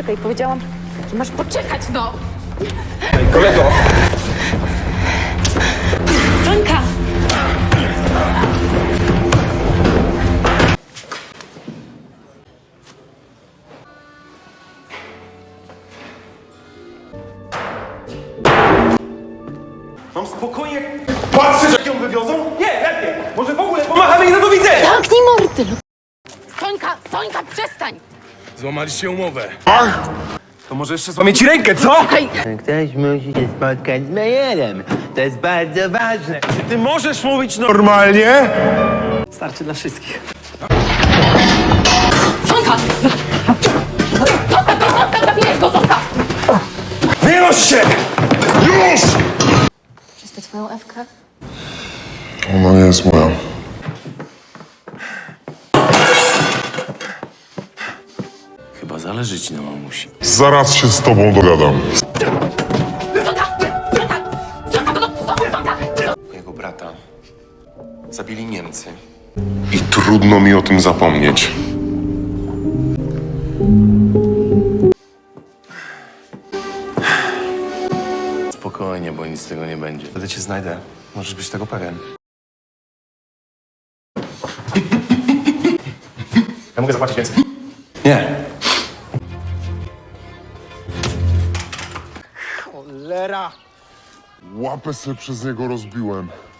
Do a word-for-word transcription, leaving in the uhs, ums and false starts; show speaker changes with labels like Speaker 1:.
Speaker 1: poczekaj, powiedziałam, że masz poczekać, no!
Speaker 2: Ej, kolego!
Speaker 1: Sońka!
Speaker 2: Mam spokojnie patrzeć, jak ją wywiozą? Nie, lepiej! Może w ogóle pomachamy i do widzenia!
Speaker 1: Zamknij mordy! Sońka, Sońka, przestań!
Speaker 3: Złamaliście umowę.
Speaker 2: To może jeszcze złamie ci rękę, co?
Speaker 1: Hej!
Speaker 4: Ktoś musi się spotkać z Mejerem. To jest bardzo ważne.
Speaker 2: Czy ty możesz mówić normalnie?
Speaker 4: Starczy dla wszystkich.
Speaker 1: Sońka! Zostaw go, zostaw, zabijesz go, zostaw!
Speaker 2: Wynoś się!
Speaker 3: Już!
Speaker 1: Jest to twoją Ewkę?
Speaker 3: Ona nie jest moja.
Speaker 5: Chyba zależy ci na mamusi.
Speaker 3: Zaraz się z tobą dogadam.
Speaker 1: Sońka! Sońka! Sońka, no, Sońka!
Speaker 5: Mojego brata zabili Niemcy.
Speaker 3: I trudno mi o tym zapomnieć.
Speaker 5: Spokojnie, bo nic z tego nie będzie.
Speaker 2: Wtedy cię znajdę. Możesz być tego pewien. Ja mogę zapłacić więcej. Nie.
Speaker 4: Cholera!
Speaker 3: Łapę sobie przez niego rozbiłem.